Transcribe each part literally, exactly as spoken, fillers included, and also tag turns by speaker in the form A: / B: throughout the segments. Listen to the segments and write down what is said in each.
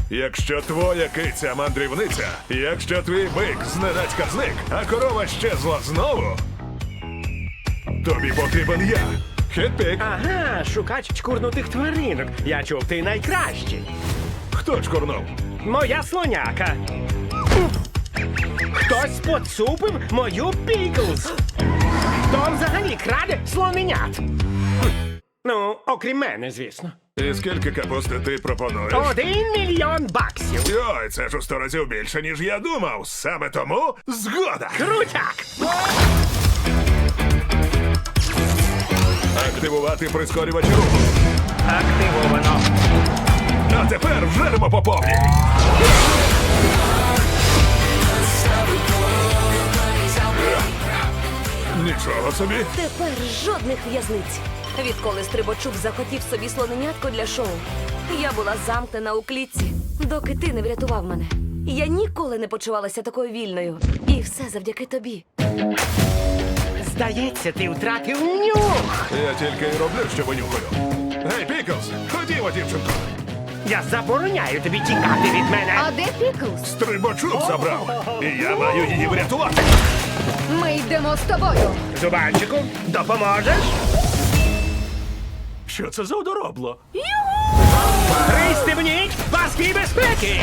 A: Якщо твоя киця мандрівниця, якщо твій бик зненацька зник, а корова щезла знову, тобі потрібен я. Хетпік.
B: Ага, шукач чкурнутих тваринок. Я чув, ти найкращий.
A: Хто чкурнув?
B: Моя слоняка. Хтось поцупив мою Піклз. Хто взагалі краде слоненят? Хм. Ну, окрім мене, звісно.
A: І скільки капусти ти пропонуєш?
B: Один мільйон баксів.
A: Йой, це ж у сто разів більше, ніж я думав. Саме тому згода.
B: Крутяк!
A: Активувати прискорювач руху.
B: Активовано.
A: А тепер вжеремо по повній. Нічого собі.
C: Тепер жодних в'язниць. Відколи Стрибачук захотів собі слоненятко для шоу, я була замкнена у клітці, доки ти не врятував мене. Я ніколи не почувалася такою вільною. І все завдяки тобі.
B: Здається, ти втратив нюх.
A: Я тільки й роблю, що винюхаю. Гей, Піклз, ходімо, дівчинко.
B: Я забороняю тобі тікати від мене.
D: А де Піклз?
A: Стрибачок забрав. І я маю її врятувати.
D: Ми йдемо з тобою.
B: Зубанчику, допоможеш?
A: Що це за одоробло?
B: Пристебніть паски безпеки!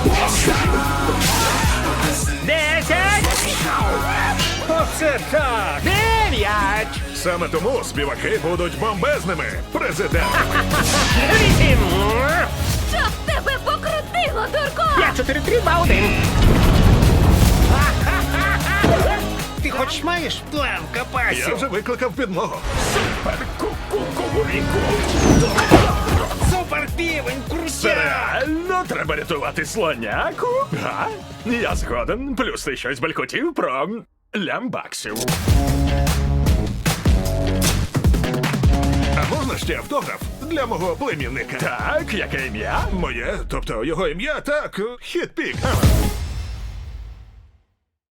B: Десять! Оце так! Дев'ять!
A: Саме тому співаки будуть бомбезними. Президент.
B: Вісім!
C: Щоб тебе покрутило, дурко!
B: П'ять, чотири, три, два, один! Ти хоч маєш план
A: Я
B: капасів?
A: вже викликав підмогу.
B: Супер півень, крутяк!
E: Реально треба рятувати слоняку? Га? Я згоден. Плюс ти щось балькотів про лямбаксів.
A: А можна ще автограф для мого племінника?
E: Так, яке ім'я?
A: Моє, тобто його ім'я, так, Хітпік. Ага.